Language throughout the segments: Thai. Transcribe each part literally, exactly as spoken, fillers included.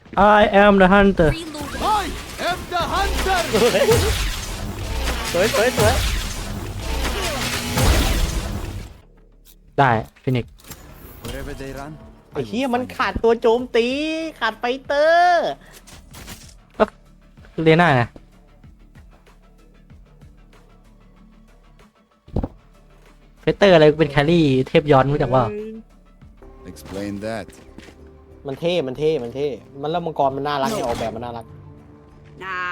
I am the hunter I am the hunter สวยสวยสวยได้ฟินิก wherever they run ไอ้เหี้ยมันขาดตัวโจมตีขาดไฟเตอร์เรียน่าไงเฟเตอร์อะไรเป็นแครี่เทพย้อนรู้จักว่า explain that มันเท่มันเท่มันเท่มันแล้วมังกรมันน่ารักเนี่ยออกแบบมันน่ารัก Nah.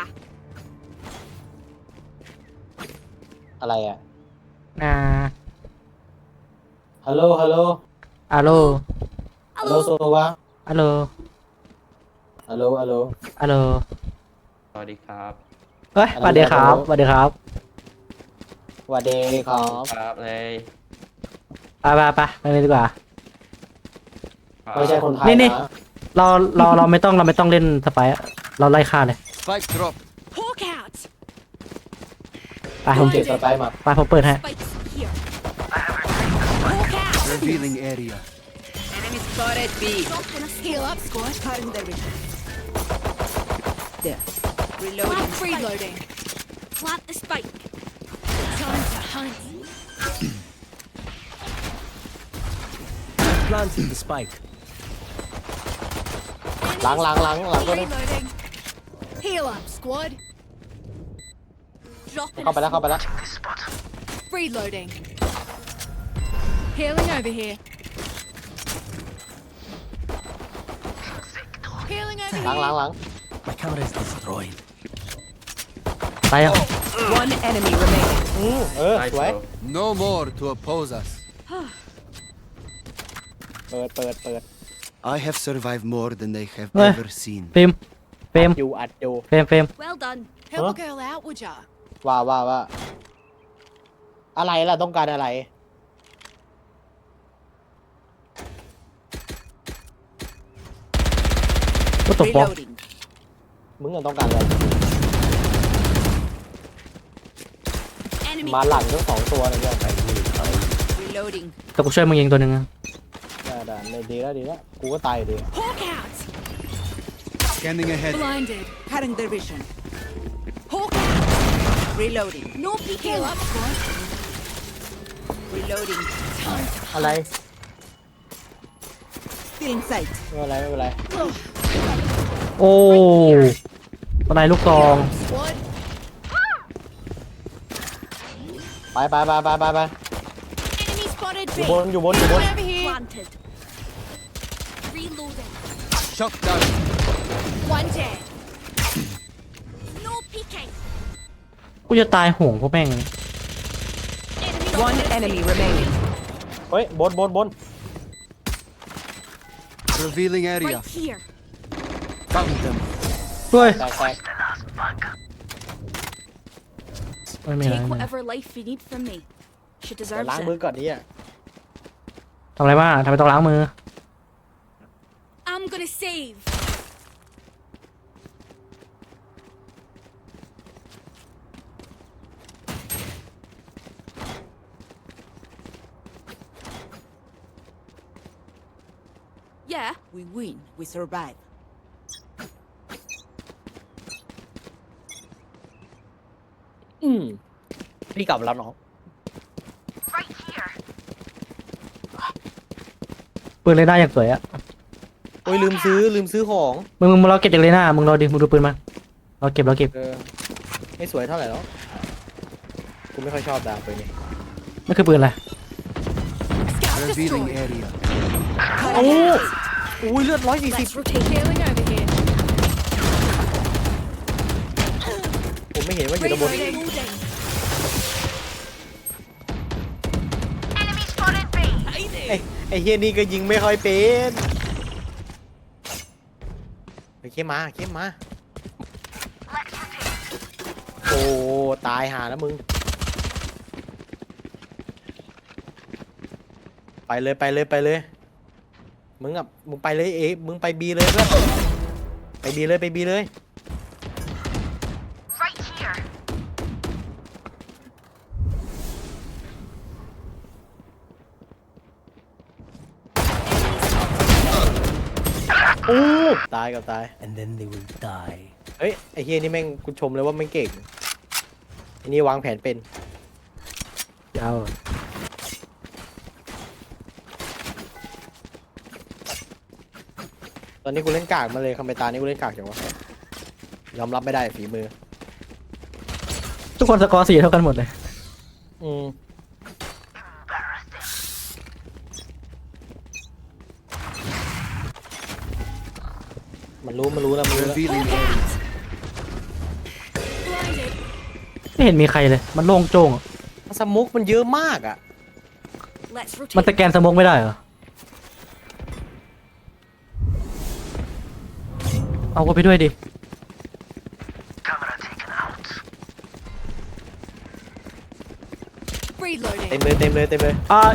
อะไรอ่ะอ่าฮัลโหลฮัลโหลอาโลฮัลโหลโซวะอาโลฮัลโหลฮัลโหลอาโลสวัสดีครับเฮ้ยสวัสดีครับสวัสดีครับสวัสดีครับครับเลยไปไปไปไปเลยดีกว่าไม่ใช่คนไทยนี่นี่นะเราเราเราไม่ต้องเราไม่ต้องเล่นสไปร์อะเราไล่ฆ่าเลย spike drop Hawk out. ไปผผม มเจ็บสไปร์มาไปผมเปิดให้ Spikes here. Hawk out. revealing area Enemy spotted B. Heal up, squad. Cutting their vision. There. Reloading. Reloading. Plant the spike. Time to hunt. Planting the spike. หลังหลังหลังหลังก็ได้ Reloading. Heal up, squad. Dropping. เข้าไปแล้วเข้าไปแล้ว Reloading. Healing over here. Healing over หลังหลัง here. หลัง My camera is destroyed. ตายยัง One enemy remaining. อืมเออไนสวยส์ no more to oppose us เปิดเปิดเปิด I have survived more than they have Eh. ever seen เฟรมเฟรมอยู่อัดอยู่เฟรมเฟรม Well done. Help a girl out, would ya? ว่าว่าว่าอะไรล่ะต้องการอะไรก็ตกบล็อก Reloading. มึงอะต้องการอะไร Enemy. มาหลังทั้งสองตัวเลยเนี่ย Reloading. แต่กูช่วยมึงยิงตัวหนึ่งนะได้ได้ได้ดีแล้วดีแล้วกูก็ตายอยู่ดี Hawk out. scanning ahead Blinded. Cutting their vision. Hawk out. Reloading. No peek. Heal up, squad. Reloading. Time to อะไร Feeling sight. ไม่เป็นไรไม่เป็นไรโอ้อะไรลูกซอง Squad. ไปไปไปไปไปไป Enemy spotted อยู่ B. บนอยู่บนอยู่บน Over here. Planted. Reloading. shot down One dead. No peeking. กูจะตายห่วงพวกแม่ง Enemy. One enemy remaining. เฮ้ยบนบนบน revealing area Right here. found them ด้วยแตกแตกไม่มีอะไร Take ไม่มีอะไร whatever life you need from me. She เดี๋ยว deserves ล้าง it. มือก่อนนี่อ่ะทำอะไรบ้างทำไมต้องล้างมือ I'm gonna save. Yeah, we win. We survive. อืมพี่กลับแล้วน้องปืนเลยหน้าอย่างสวยอะโอ้ยลืมซื้อลืมซื้อของมึงมึงมึงรอเก็บจากเลยหน้ามึงรอดิมึงดูปืนมาเราเก็บเราเก็บเออไม่สวยเท่าไหร่หรอกกูไม่ค่อยชอบดาบปืนนี้นั่นคือปืนอะไร Scout revealing destroyed. area โอ้อุ้ยเลือดร้อยสี่สิบ Let's rotate. Healing over here. ผมไม่เห็นว่าอยู่ด้านบน Reloading. ไอ้ไอ้เฮียนี่ก็ยิงไม่ค่อยเป็นไอ้เข้มมาเข้มมาโอ้ตายหาแล้วมึงไปเลยไปเลยไปเลยมึงอ่ะมึงไปเลยเอ๊ะมึงไปบีเลยเพื่อนไปบีเลยไปบีเลยโอ้ตายกับตาย And then they will die. เฮ้ยไอ้เฮียนี่แม่งกูชมเลยว่าแม่งเก่งไอ้นี่วางแผนเป็นยาวตอนนี้กูเล่นกากมาเลยคำไปตานี้กูเล่นกากจังวะยอมรับไม่ได้ฝีมือทุกคนสกอร์สี่เท่ากันหมดเลยอืมมันรู้มันรู้แล้วมันรู้แล้ว Revealing area. Blinded. ไม่เห็นมีใครเลย มันโล่งโจ้งอะสมุกมันเยอะมากอ่ะ Let's มันส rotate. แกนสโมกไม่ได้เหรอ เอาไปด้วยดิ Reloading. เต็มเลยเต็มเลยเต็มเลย I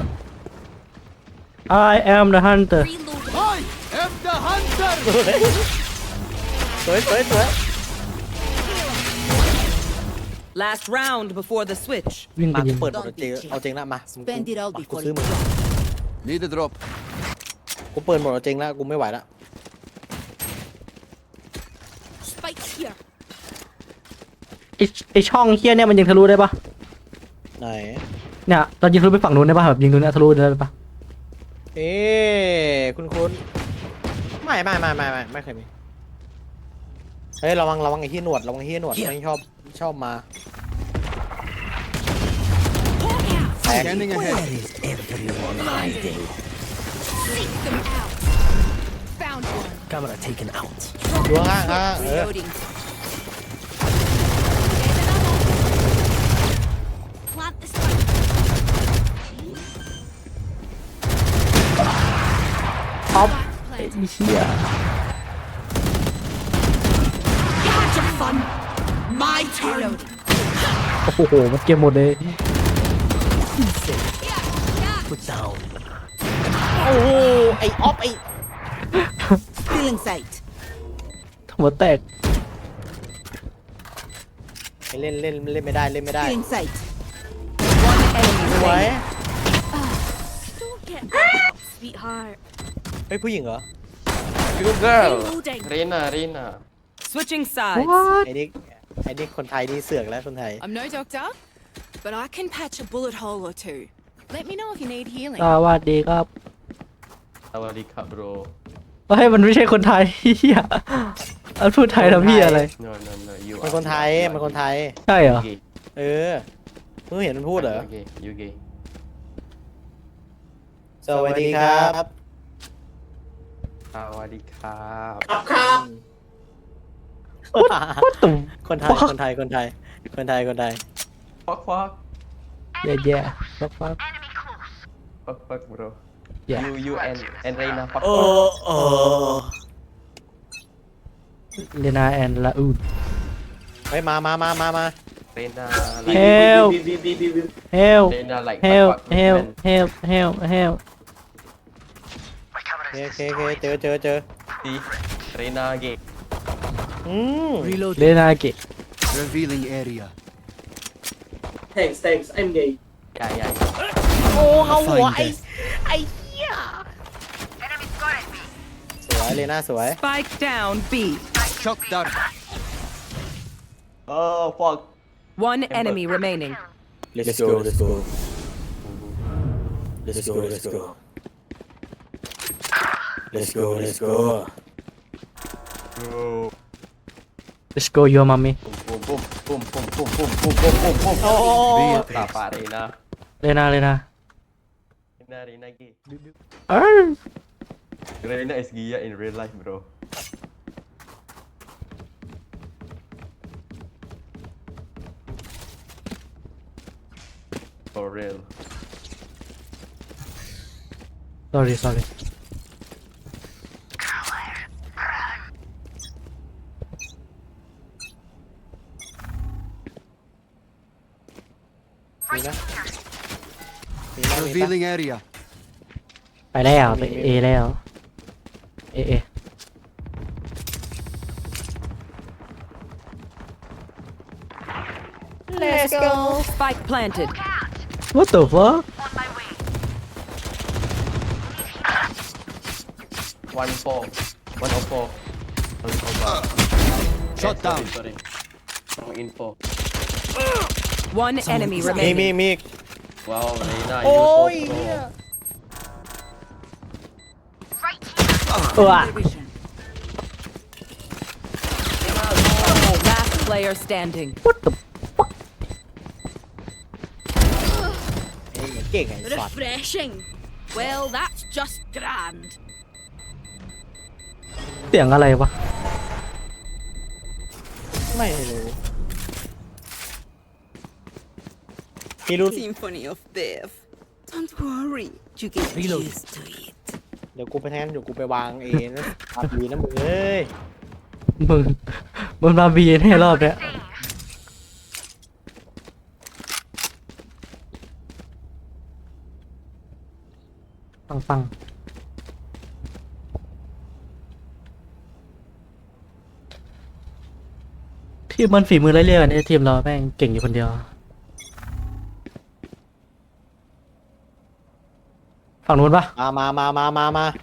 I am the hunter Reloading. I am the hunter. สวยสวยสวย Last round before the switch. วิ่งไปมายิกูงเปิดหมดเอาจริงเอาจริงละมา Spend it all กู before ซื้อ you หมด drop. Need a drop. กูเปิดหมดเอาจริงละกูไม่ไหวละ Spike here. ไอไอช่องเฮี้ยเนี่ยมันยิงทะลุได้ปะไหนเนี่ยตอนยิงทะลุไปฝั่งนู้นได้ปะแบบยิงตรงเนี้ยทะลุได้ปะเอ๊ะคุณคุณไม่ไม่ไม่ไม่ไม่ไม่เคยมีเฮ้ยระวังระวังไอ้ที่หนวดระวังไอ้ที่หนวดไม่ชอบชอบมา Hawk out. แตก Scanning ahead. Where is everyone hiding? Seek them out. Found one. Camera taken out. ดูข้างข้างเออ Reloading. There's another. Plant the spike. ออฟ Spike ไอ้ planted. เฮี้ย Catch a fun. My turn. Reloading. โอ้โหมันเก็บหมดเลย Put down. โอ้โหไอ้ออฟไอ้ Feeling sight. หัวแตกไอ้เล่นเล่นเล่นไม่ได้เล่นไม่ได้ Feeling sight. One enemy สวย remaining. Don't get out, sweetheart. เฮ้ยผู้หญิงเหรอ Good girl. Reloading. Reina, Reina. Switching sides. What? ไอ้นี่ไอ้นี่คนไทยนี่เสือกแล้วคนไทย I'm no doctor, but I can patch a bullet hole or two. Let me know if you need healing. สวัสดีครับ Sawadika, bro. เฮ้ยมันไม่ใช่คนไทยเฮียอันพูดไทยทำพี่อะไร No, no, no. You มัน are- คนไทย you are มันคน gay. ไทยใช่เหรอ You gay. เออเพิ่งเห็นมันพูดเหรอ You gay. You gay. สวัสดีครับ Sawadika. ตุ่มคนไทยคนไทยคนไทยคนไทยคนไทย Fuck, fuck. แย่แย่ฟักฟัก Fuck, fuck, bro. Yeah. You, you and and Reina. Fuck, โอ้ fuck. โอ้เลนาแอนลาอูดไปมามามามามา Reina เฮ like ลเฮล Reina like เฮล fuck, fuck, เฮล man. เฮลเฮลเฮลโอเคโอเคโอเคเจอเจอเจอ See? Reina gay. อืมเลนาเกะ Revealing area. Yeah, yeah, yeah. โอ้เอาหัว Find ไอ้ this. ไอ้เหี้ยสวยเลยน่าสวย Spike down B. Shock dart. Oh, fuck. One enemy remaining. Let's go let's go let's go let's go let's go let's go Bro. let's go your mommy Boom, boom, boom, boom, boom, boom, boom, boom, boom, boom. Oh. Tapa, Reina. เลนาเลนา Reina, Reina gay. เอ้ย Reina is Gia in real life, bro. For real. sorry sorry มีนะมีนะมีปะ Revealing area. ไปแล้วไปเอแล้วเอเอ Let's go. Spike planted. what the fuck One four. one oh four. Oh, oh god. Shot Eh, down. Sorry, sorry. Wrong info. One enemy มี remaining. มีมีอีก Wow, Reina, you โอ้ so ย pro. เหี้ยเออ Division. Last player standing. what the เอ้ยเก่งไอ้สัตว์ Refreshing. Well, that's just grand. เสียงอะไรวะไม่รู้พี่รู้ Symphony of Death. Don't worry, you get Reload. used to it. เดี๋ยวกูไปแทนเดี๋ยวกูไปวางเองนะอาบีนะมึงเอ้ยมึงมึงมาบีนให้รอบเนี้ยปังปังทีมมันฝีมือไล่เรียกกันไอ้ทีมเราแม่งเก่งอยู่คนเดียว ฝั่งนู้นปะมามามามามามา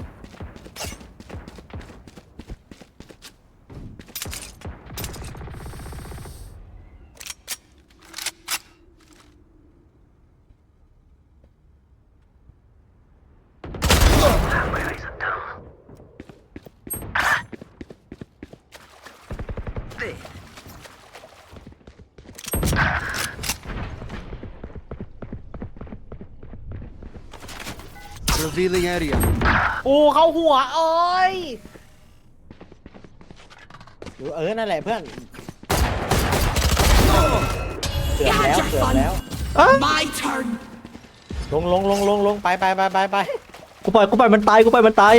Revealing area. โอ้เข้าหัวเอ้ยอยู่เออนั่นแหละเพื่อนเกือบแล้วเกือบแล้ว My turn. ลงลงลงลงลงไปไปไปไปไปกูปล่อยกูปล่อยมันตายกูปล่อยมันตาย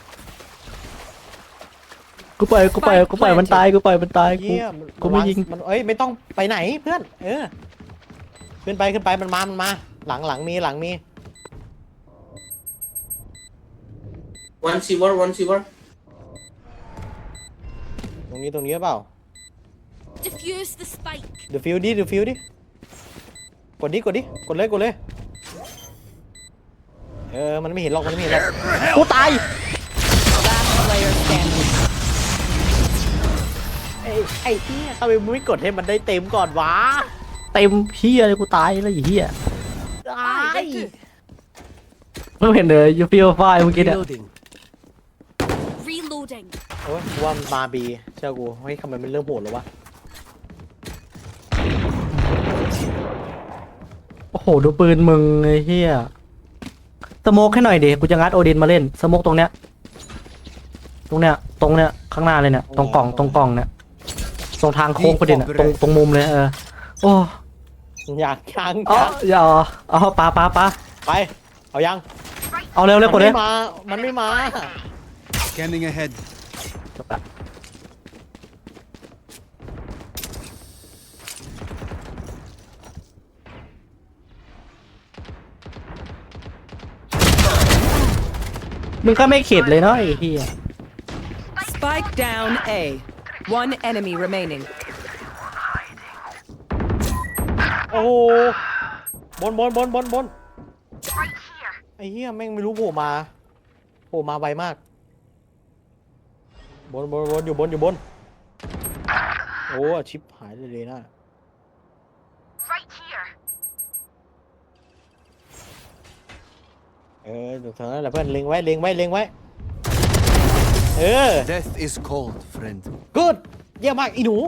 กูปล่อยกูปล่อยกูปล่อยมันตายกูปล่อยมันตายกูเยี่ยมกูไม่ยิงมันเอ้ยไม่ต้องไปไหนเพื่อน เออขึ้นไปขึ้นไปมันมามันมา หลังหลังมีหลังมี One silver, one silver. ตรงนี้ตรงนี้หรือเปล่า Diffuse the spike. เดี๋ยวฟิวดิเดี๋ยวฟิวดิกดดิกดดิกดเลยกดเลยเออมันไม่เห็นหรอกมันไม่เห็นหรอกกูตาย Last player standing. ไอ้ไอ้เหี้ยทำไมมึงไม่กดให้มันได้เต็มก่อนวะเต็มเฮียเลยกูตายแล้วไอ้เฮียตายมึงเห็นเลยยูฟิลไฟเมื่อกี้เนี่ย Reloading. Reloading. โอ้ยกูว่ามันมาบีเชื่อกูเฮ้ยทำไมมันเริ่มโหดแล้ววะโอ้โหดูปืนมึงไอ้เฮียสโมกให้หน่อยดิกูจะงัดโอดินมาเล่นสโมกตรงเนี้ยตรงเนี้ยตรงเนี้ยข้างหน้าเลยเนี่ยตรงกล่องตรงกล่องเนี่ยตรงทางโค้งประเด็นอะตรงตรงมุมเลยเออโอ้อยากยังเอ๋ออย่าเอาเอาปาปาปาไปเอายังเอาเร็วเร็วกมัดนเลยไม่มามันไม่มา Scanning ahead. จบละมึงก็ไม่เข็ดเลยเนาะไอ้เหี้ย Spike down A. One enemy remaining. โอ้โหบนบนบนบนบนไอ้เหี้ยแม่งไม่รู้โผล่มาโผล่มาไวมากบนบนบนอยู่บนอยู่บนโอ้ชิปหายเลยเลยนะเออเดี๋ยวเท่านั้นแหละเพื่อนเล็งไว้เล็งไว้เล็งไว้เออ Death is cold, friend. กูดเยี่ยมมากอีหนู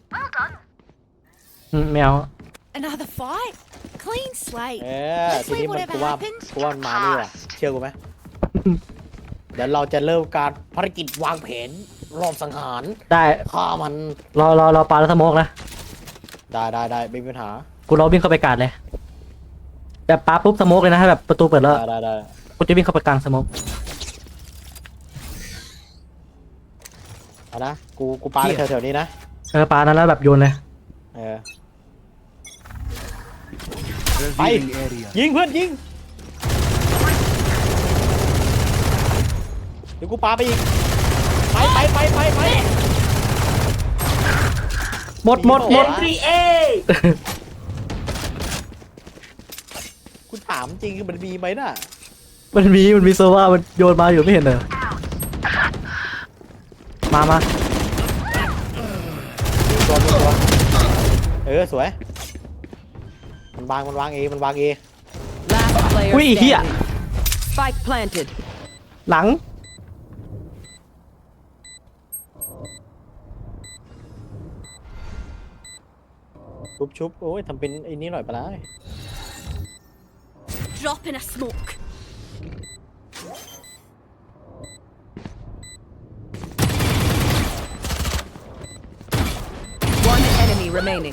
อืมแมว Another fight? Clean slate. เออทีนี้มันกูว่ากูว่ามันมานี่ว่ะเชื่อกูไหม เดี๋ยวเราจะเริ่มการภารกิจวางแผนรอบสังหารได้ฆ่ามันรอรอรอปาแล้วสโมกนะได้ได้ได้ไม่มีปัญหากูรอวิ่งเข้าไปกาดเลยแบบปาปุ๊บสโมกเลยนะถ้าแบบประตูเปิดแล้วได้ได้ได้กูจะวิ่งเข้าไปกลางสโมกเอานะกูกูปาแถวแถวๆนี้นะเออปานั้นแล้วแบบโยนเลยเออ Revealing area. ยิงเพื่อนยิงเดี๋ยวกูปาไปอีกไปไปไปไปไปหมดหมดหมดกูถามจริงคือมันมีไหมน่ะมันมีมันมีโซว่ามันโยนมาอยู่ไม่เห็นเหรอมามาตัวตัวตัวเออสวยมันวางมันวางเอมันวางเอ Last player Ui, here. standing. Spike planted. หลังชุบชุบโอ้ยทำเป็นไอ้นี้หน่อยปะล่ะ Drop in a smoke. One enemy remaining.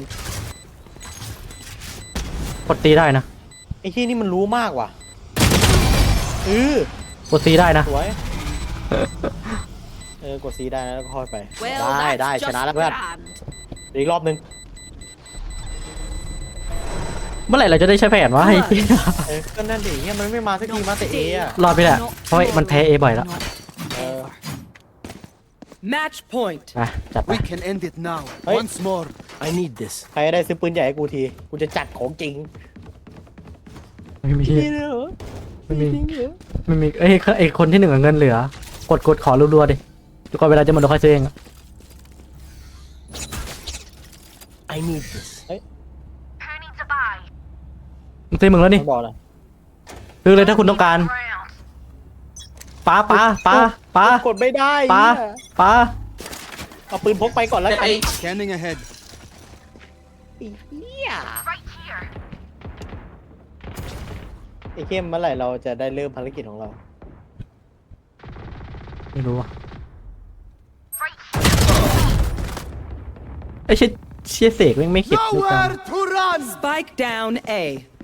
กดตีได้นะไอ้ที่นี่มันรู้มากว่ะเออกดตีได้นะสวยเออกดซีได้นะแล้วก็ค่อยไป Well, ได้ that's ได้ just ชนะแล้วเพื่อน grand. เดี๋ยวอีกรอบนึงเมื่อไหร่เราจะได้ใช้แผนวะไอ้เหี้ยเออก็นั่นดิเฮียมันไม่มาสักทีมาแต่เออะรอดไปแหละเพราะมันแพ้เอบ่อยแล้วเออ Match point. ไปจัดไป We can end it now. Hey. Once more. I need this. ใครได้ซื้อปืนใหญ่ให้กูทีกูจะจัดของจริงไม่มีนี่เหรอไม่มีจริงเหรอไม่มีเอ้ยไอ้คนที่หนึ่งอะเงินเหลือ กดกดขอรัวๆดิจนกว่าเวลาจะหมดเราค่อยซื้อเองอะ I need this. มันซื้อมึงแล้วนี่ต้องบอกเลยซื้อเลยถ้าคุณต้องการป้าป้าป้าป้ากดไม่ได้ป้าเหี้ยป้าเอาปืนพกไปก่อนแล้วกัน Hey, Scanning ahead. ไอ้เหี้ยไอ้เข้มเมื่อไหร่เราจะได้เริ่มภารกิจของเราไม่รู้อะไอ้เชี่ยเชี่ยเสกแม่งไม่เข็ดด้วยกัน Nowhere to run. Spike down A.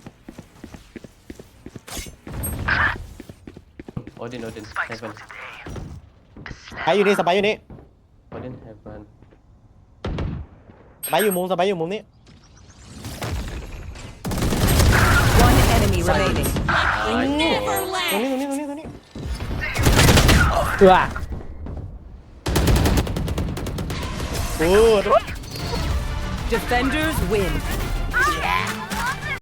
Odin, Odin, heaven. ไปอยู่นี่สบายอยู่นี่ Odin, heaven. สบายอยู่มุมสบายอยู่มุมนี้ One enemy remaining. Never ตรง left. นี้ตรงนี้ตรงนี้ตรงนี้เออโอ้ Defenders win.